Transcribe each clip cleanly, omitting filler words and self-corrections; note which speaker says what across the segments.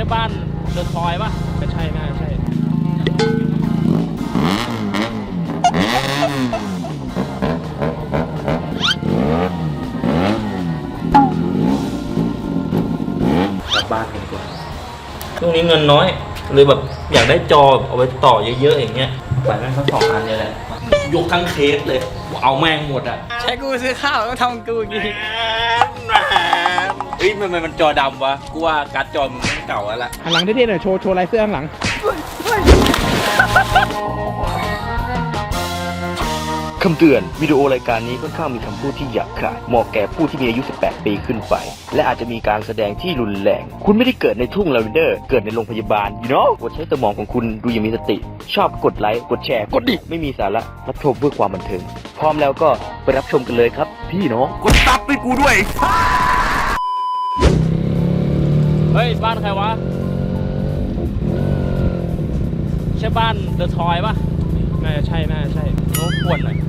Speaker 1: บ้านเดอะทอยป่ะไม่ใช่น่าใช่กลับบ้านกันดีกว่าช่วงนี้เงินน้อยเลยแบบอยากได้จอเอาไว้ต่อเยอะๆอย่างเงี้ยไปแม่งทั้ง2 อันเลยแหละยกทั้งเคสเลยเอาแม่งหมดอ่ะ
Speaker 2: ใช้กูซื้อข้าวต้องทำกูอย่างงี้
Speaker 1: เฮ้ยมันจอดำวะกูว่าการ์ดจอมึงไม่เก่าแล้วล่ะ
Speaker 3: หันหลังเท่ๆหน่อยโชว์ลายเสื้อข้างหลัง
Speaker 4: คำเตือนวิดีโอรายการนี้ค่อนข้างมีคำพูดที่หยาบคายเหมาะแก่ผู้ที่มีอายุ 18 ปีขึ้นไปและอาจจะมีการแสดงที่รุนแรงคุณไม่ได้เกิดในทุ่งลาเวนเดอร์เกิดในโรงพยาบาลกดใช้สมองของคุณดูอย่างมีสติชอบกดไลค์กดแชร์กดดิไม่มีสาระรับชมเพื่อความบันเทิงพร้อมแล้วก็ไปรับชมกันเลยครับพี่น้องกดซับให้กูด้วย
Speaker 1: เฮ้ยบ้านใครวะใช่บ้านเดอะทอยป่ะ
Speaker 3: น่าจะใช่
Speaker 1: รบกวนหน่อย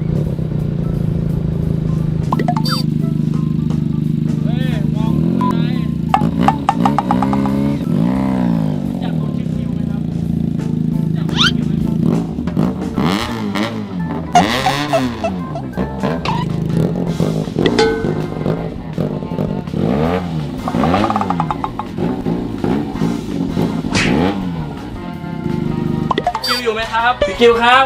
Speaker 1: เฮ้ยมองไปไหนอยากคนชื่อคิวไหมครับอยากคนชื่อคิวไหมคิวอยู่ไหมครับพี่คิวครับ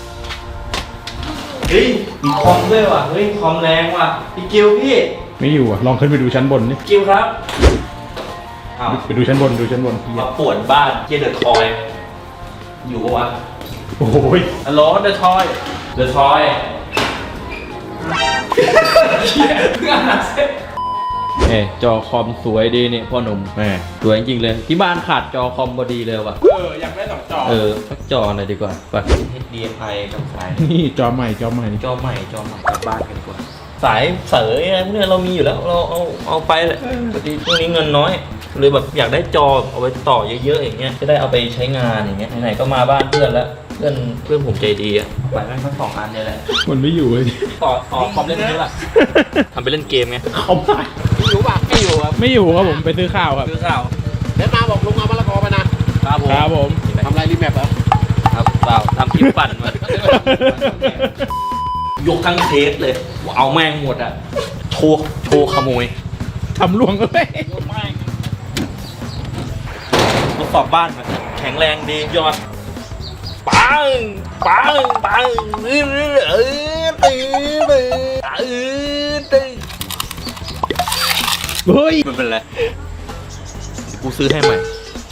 Speaker 1: เฮ้ยมีคอมด้วยว่ะเฮ้ยคอมแรงว่ะพี่กิวพี่
Speaker 3: ไม่อยู่อ่ะลองขึ้นไปดูชั้นบนนี่
Speaker 1: กิวครับ
Speaker 3: ไปดูชั้นบน
Speaker 1: มาปวดบ้านเจเดอร์ทอยอยู่ปะวะ
Speaker 3: โอ้ย
Speaker 1: ฮัลโหลเดอร์ทอยเพื่อนจอคอมสวยดีนี่พ่อหนุ่มสวยจริงๆเลยที่บ้านขาดจอคอมพอดีเลยว่ะ
Speaker 3: อยากได้2 จอ
Speaker 1: สักจอหน่อยดีกว่าไป HDMI กับสาย
Speaker 3: นี่จอใหม่กลับบ้าน
Speaker 1: กันดีกว่าสายเสยอะไรพวกนี้เรามีอยู่แล้วเราเอาไปเลยพอดีช่วงนี้เงินน้อยเลยแบบอยากได้จอเอาไว้ต่อเยอะๆอย่างเงี้ยจะได้เอาไปใช้งานอย่างเงี้ยไหนๆก็มาบ้านเพื่อนแล้วเพื่อนผมใจดีอ่ะไปแม่งทั้ง2 อันเลยแหละ
Speaker 3: มันไม่อยู่เลย
Speaker 1: ต่อคอมเล่นนี้ล่ะทำไปเล่นเกมไง
Speaker 3: คอมไม่
Speaker 1: อยู่ป่ะไม่อยู่
Speaker 3: ครับผมไปซื้อข้าวครับ
Speaker 2: แล้วมาบอกลุงเอามะละกอไปนะครับ
Speaker 3: ผม
Speaker 2: ทำไรรีแมปเหรอ
Speaker 1: ครับเปล่าทำคลิปปั่นมายกทั้งเคสเลยเอาแม่งหมดอ่ะโชว์ขโมย
Speaker 3: ทำล่วงเลย
Speaker 1: ทดสอบบ้านแข็งแรงดียอดปังตื่น
Speaker 3: เฮ้ย
Speaker 1: มันเป็นไรกูซื้อให้ใหม่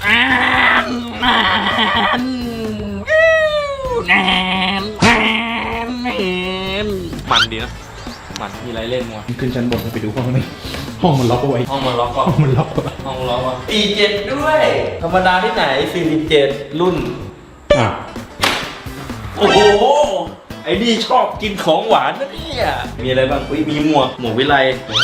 Speaker 1: มันดีนะมันมีอะไรเล่นวะ
Speaker 3: ขึ้นชั้นบนไปดูห้องนี้ห้องมันล็อกเอาไว้
Speaker 1: ห้องมันล็อกว่ะ47ด้วยธรรมดาที่ไหน47รุ่นโอ้โหไอ้นี่ชอบกินของหวานนะเนี่ยมีอะไรบ้างมีหมวกวิไล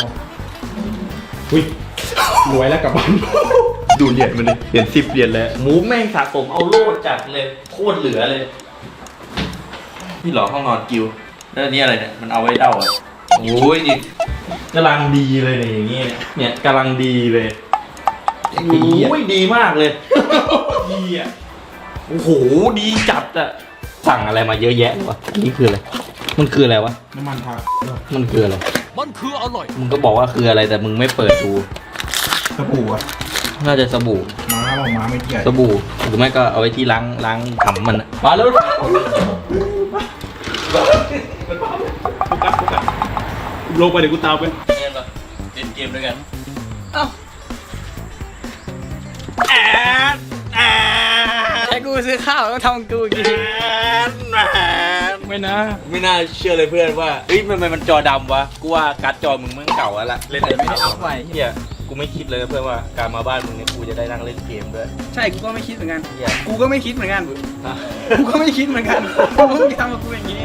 Speaker 3: รวยแล้วกลับบ้าน
Speaker 1: ดูเหรียญมันเลยเหรียญ10 เหรียญแล้วหมูแม่งสะสมเอาโล่จัดเลยโคตรเหลือเลยพี่หลอห้องนอนกิวแล้วนี่อะไรเนี่ยมันเอาไว้เด้าอ่ะโอ้ยนี่กำลังดีเลยเนี่ยอย่างเงี้ยเนี่ยกำลังดีเลยโอ้ยดีมากเลยดีอ่ะโอ้โหดีจัดอ่ะสั่งอะไรมาเยอะแยะวะนี่คืออะไรมันคืออะไรวะ
Speaker 3: น้ำมันทา
Speaker 1: มันคืออะไร
Speaker 2: มันคืออร่อย
Speaker 1: มึงก็บอกว่าคืออะไรแต่มึงไม่เปิดดู
Speaker 3: สบู่อ่ะ
Speaker 1: น่าจะสบู่
Speaker 3: ม้าไม่เกี่ยว
Speaker 1: สบู่หรือไม่ก็เอาไว้ที่ล้างขำมันมาแล้ว
Speaker 3: ลงไปเดี๋ยวกูตามไป
Speaker 1: เล่นเกมด้วยกัน
Speaker 2: ใช้กูซื้อข้าวต้องทำกูอย่างงี้
Speaker 1: ไม่น่าเชื่อเลยเพื่อนว่าเฮ้ยมันจอดำวะกูว่าการ์ดจอมึงมันเก่าแล้วล่ะเล่นอะไรไม่ได้เอาไปเฮียกูไม่คิดเลยเพื่อนว่าการมาบ้านมึงเนี่ยกูจะได้นั่งเล่นเกมด้วย
Speaker 2: ใช่กูก็ไม่คิดเหมือนกันกูก็ไม่คิดเหมือนกันกูก็ไม่คิดเหมือนกันมึงจะทำกับกูอย่างนี้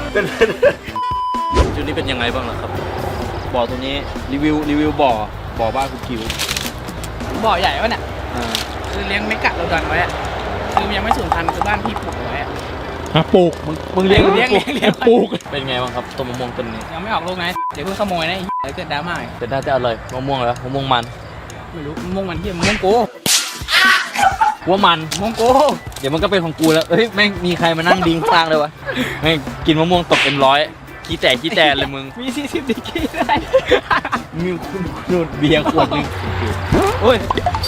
Speaker 1: จุดนี้เป็นยังไงบ้างล่ะครับบ่อตัวนี้รีวิวบ่อบ้านกูคิว
Speaker 2: บ่อใหญ่วะเนี่ยคือเลี้ยงไม่กัดเราดันไว้คือยังไม่สูญพันธุ์คือบ้านพี่ปลูกไว้
Speaker 3: ปลูก
Speaker 1: มึงเลี้ยงปลูกเป็นไงบ้างครับต้นมะม่วงต้นนี้
Speaker 2: ยังไม่ออกลูกนะเดี๋ยวเพิ่งขโมยนะเดี๋ยวเกิดดราม่า
Speaker 1: แต่น่าจะอร่อยมะม่วงแล้วมะม่วงมัน
Speaker 2: ไม่รู้มะม่วงมันที่มะม่วงกู
Speaker 1: ว่ามัน
Speaker 2: มองโก
Speaker 1: เดี๋ยวมันก็เป็นของกูแล้วเฮ้ยแม่งมีใครมานั่งดิ้งข้างเลยวะแม่งกินมะม่วงตกM100ขี้แตกเลยมึง
Speaker 2: มี40ดีกรีได้
Speaker 1: มีคุณดูดเบียร์ขวดนึง
Speaker 2: โอ้ย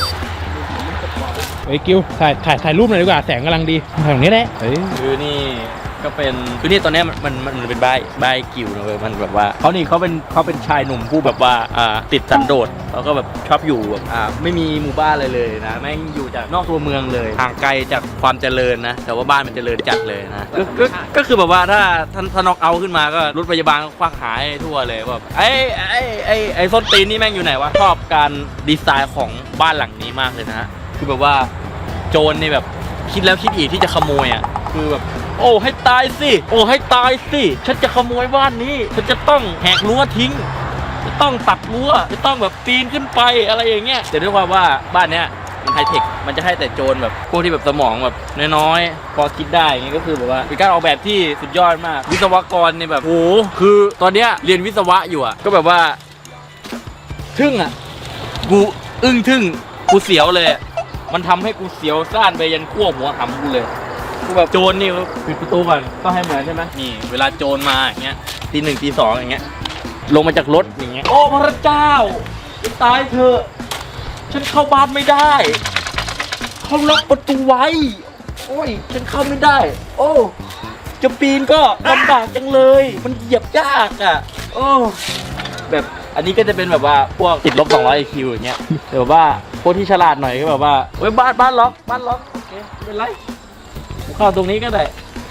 Speaker 3: เฮ้ยกิวถ่ายรูปหน่อยดีกว่าแสงกำลังดีถ่ายตรงนี้แหละเฮ้ย
Speaker 1: คือนี่ก็เป็นคือนี่ตอนเนี้ยมันเป็นใบกิวนะเว้ยมันแบบว่าเขาเป็นชายหนุ่มผู้แบบว่าติดสันโดษแล้วก็แบบชอบอยู่แบบไม่มีหมู่บ้านอะไรเลยนะแม่งอยู่จากนอกตัวเมืองเลยห่างไกลจากความเจริญนะแต่ว่าบ้านมันเจริญจัดเลยนะก็คือแบบว่าถ้าน็อกเอาท์ขึ้นมาก็รถพยาบาลก็ควักหายทั่วเลยแบบไอ้ส้นตีนนี่แม่งอยู่ไหนวะชอบการดีไซน์ของบ้านหลังนี้มากเลยนะฮะคือแบบว่าโจรนี่แบบคิดแล้วคิดอีกที่จะขโมยอ่ะคือแบบโอ้ให้ตายสิโอ้ให้ตายสิฉันจะขโมยบ้านนี้ฉันจะต้องแหกรั้วทิ้งจะต้องตัดรั้วจะต้องแบบปีนขึ้นไปอะไรอย่างเงี้ยแต่ด้วยความว่าบ้านเนี้ยมันไฮเทคมันจะให้แต่โจรแบบพวกที่แบบสมองแบบน้อยๆพอคิดได้อย่างเงี้ยก็คือแบบว่าเป็นการออกแบบที่สุดยอดมากวิศวกรเนี่ยแบบโอ้คือตอนเนี้ยเรียนวิศวะอยู่อ่ะก็แบบว่าทึ่งอ่ะกูอึ้งทึ่งกูเสียวเลยมันทำให้กูเสียวซ่านไปยันขั้วหัวหำกูเลยกูแบบโจรนี่ปิดประตูก่อนต้องให้เหมือนใช่ไหมนี่เวลาโจรมาอย่างเงี้ยตี 1 ตี 2อย่างเงี้ยลงมาจากรถอย่างเงี้ยโอ้พระเจ้าตายเถอะฉันเข้าบ้านไม่ได้เขาล็อกประตูไว้โอ้ยฉันเข้าไม่ได้โอ้จะปีนก็ลำบากจังเลยมันเหยียบยากอ่ะโอ้แบบอันนี้ก็จะเป็นแบบว่าพวกติดลบ200 IQ อย่างเงี้ยแต่แบบว่าพวกที่ฉลาดหน่อยก็แบบว่าเว้ยบ้านล็อกโอเคไม่เป็นไรเข้าตรงนี้ก็ได้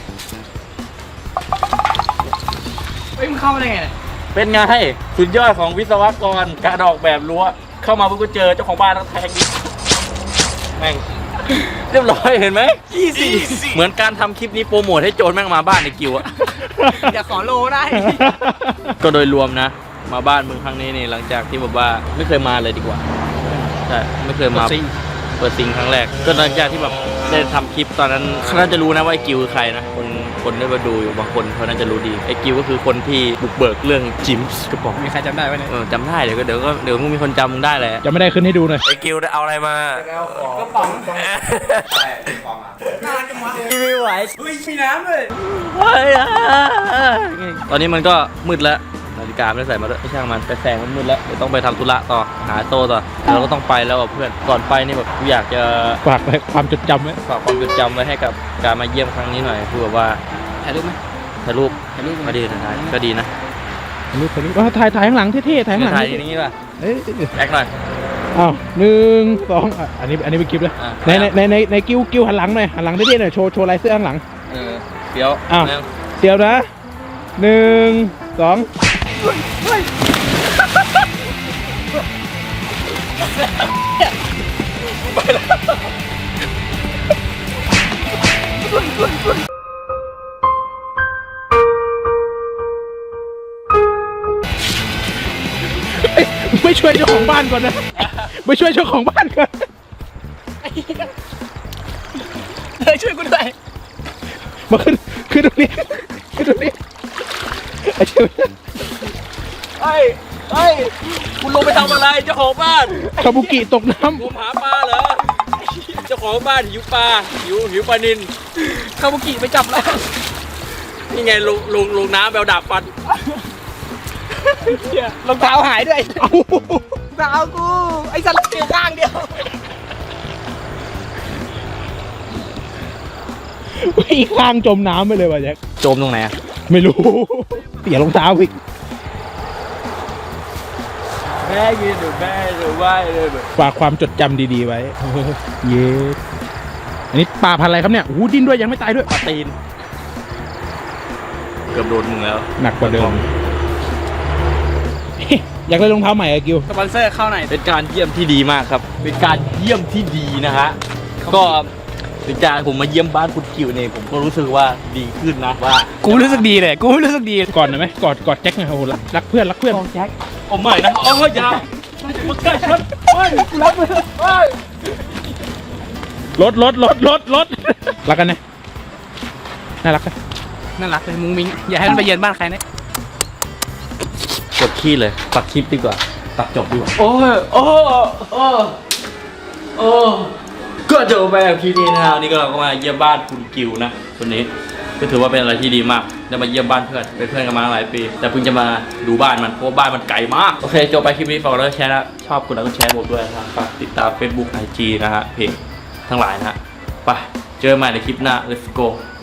Speaker 2: เฮ้ยมึงเข้ามาได้ไงเนี่ย
Speaker 1: เป็นไงสุดยอดของวิศวกรการออกแบบรั้วเข้ามาเพิ่งก็เจอเจ้าของบ้านต้องแทงดิแม่งเรียบร้อยเห็นไหมเหมือนการทำคลิปนี้โปรโมทให้โจรแม่งมาบ้านในกิวอะ
Speaker 2: อย่าขอโลได้
Speaker 1: ก็โดยรวมนะมาบ้านมึงครั้งนี้นี่หลังจากที่แบบว่าไม่เคยมาเลยดีกว่าใช่ไม่เคยมาเปิดซิงครั้งแรกก็หลังจากที่แบบได้ทำคลิปตอนนั้นเขาน่าจะรู้นะว่าไอ้กิวคือใครนะคนได้มาดูอยู่บางคนเขาน่าจะรู้ดีไอ้กิวก็คือคนที่บุกเบิกเรื่องจิมส์กระป๋อง
Speaker 2: มีใครจำได้ไหมเนี่ย
Speaker 1: จำได้เดี๋ยวมึงมีคนจำมึงได้แหละ
Speaker 3: จะไม่ได้ขึ้นให้ดูหน่อย
Speaker 1: ไอ้กิวเอาอะไรมาก
Speaker 2: ระป๋องน่ารักจังวะ
Speaker 1: ไม่ไหว
Speaker 2: เฮ้ยมีน้ำเลย
Speaker 1: ตอนนี้มันก็มืดแล้วนาฬิกาไม่ได้ใส่มาด้วยไอ้ช่างมันแต่แสงมันมืดแล้วเดี๋ยวต้องไปทำธุระต่อหาโตต่อเราก็ต้องไปแล้วเพื่อนก่อนไปนี่แบบอยากจะ
Speaker 3: ฝากไว้ความจดจำไว้
Speaker 1: ฝากความจดจำไว้ให้กับการมาเยี่ยมครั้งนี้หน่อยคือแบบว่า
Speaker 2: ถ่ายรูปไหม
Speaker 1: ถ่ายรูป
Speaker 2: ถ่ายรูป
Speaker 1: ก็ดีนะก็ดีนะ
Speaker 3: ถ่ายข้างหลังเท่ๆถ่ายข้างหลัง
Speaker 1: ถ่ายอย่างนี้ป่ะ
Speaker 3: เอ้ย
Speaker 1: แอคหน่อย
Speaker 3: อ้าว1 2อันนี้เป็นคลิปเลย
Speaker 1: อ่ะ
Speaker 3: ในกิ้วหันหลังหน่อยหันหลังเท่ๆหน่อยโชว์ลายเสื้อข้างหลัง
Speaker 1: เดี๋ยว
Speaker 3: อ้าว
Speaker 1: แล้ว
Speaker 3: เดี๋ยวนะ1 2ไม่ช่วยเจ้าของบ้านก่อนนะไม่ช่วยเจ้าของบ้านก่อน
Speaker 2: เฮ้ยช่วยกูด้วย
Speaker 3: มาขึ้นตรงนี้ไอ้เจ้า
Speaker 1: เฮ้ยคุณลงไปทำอะไรเจ้าของบ้าน
Speaker 3: คาบุกิตกน้
Speaker 1: งมหาปลาเหรอเจ้าของบ้านหิวปลาหิวปลานิล
Speaker 2: คาบุกิไปจับแล้ว
Speaker 1: นี่ไงลงน้ำแบวดาบฟัน
Speaker 2: รองเท้าหายด้วย
Speaker 3: ำเอา
Speaker 2: รองเท้ากู ไอ้สัตว์เสียข้างเดียว
Speaker 3: อีกข้างจมน้ำไปเลยว่ะแจ็ค
Speaker 1: โจมตรงไหนอะ
Speaker 3: ไม่รู้เสียรองเท้าอีก
Speaker 1: แม่ยืนหรือแม่หรือว่าเลย
Speaker 3: ฝากความจดจำดีๆไว้ เย้อันนี้ปลาพันธุ์อะไรครับเนี่ยโอ้โหดิ้นด้วยยังไม่ตายด้วย
Speaker 1: ปลาตีนเกือบโดนมึงแล้ว
Speaker 3: หนักกว่าเดิม อยากได้รองเท้าใหม่อะกิว
Speaker 2: สปอนเซอร์เข้าหน่อย
Speaker 1: เป็นการเยี่ยมที่ดีมากครับ เป็นการเยี่ยมที่ดีนะฮะก็เป็นการผมมาเยี่ยมบ้านคุณกิวเนี่ยผมก็รู้สึกว่าดีขึ้นนะว่า
Speaker 2: กูรู้สึกดีเลย กูรู้สึกดี
Speaker 3: ก่อนหน่อยไหมกอดแจ็คหน่อยโอ้โหรักเพื่อนแจ็ค
Speaker 1: โอ้ไม่นะโอ้ยอย่ามาใกล้ฉันไม่รับเลยไม่
Speaker 3: รถรักกันนะน่ารักกัน
Speaker 2: น่ารักเลยมุ้งมิ้งอย่าให้มันไปเยือนบ้านใครนะ
Speaker 1: กดขี้เลยตัดคลิปดีกว่าตัดจบดีกว่าโอ้ยโอ้ก็ก็จบไปกับคลิปนี้นะครับนี่ก็เราก็มาเยี่ยมบ้านคุณกิวนะวันนี้ก็ถือว่าเป็นอะไรที่ดีมากได้มาเยี่ยมบ้านเพื่อนเป็นเพื่อนกันมาหลายปี แต่เพิ่งจะมาดูบ้านมันเพราะบ้านมันไกลมากโอเคจบไปคลิปนี้ฝากกดไลค์แชร์นะชอบกดไลค์กดแชร์บอกด้วยนะครับฝากติดตาม Facebook IG นะฮะเพจทั้งหลายนะฮะไปเจอกันใหม่ในคลิปหน้า let's go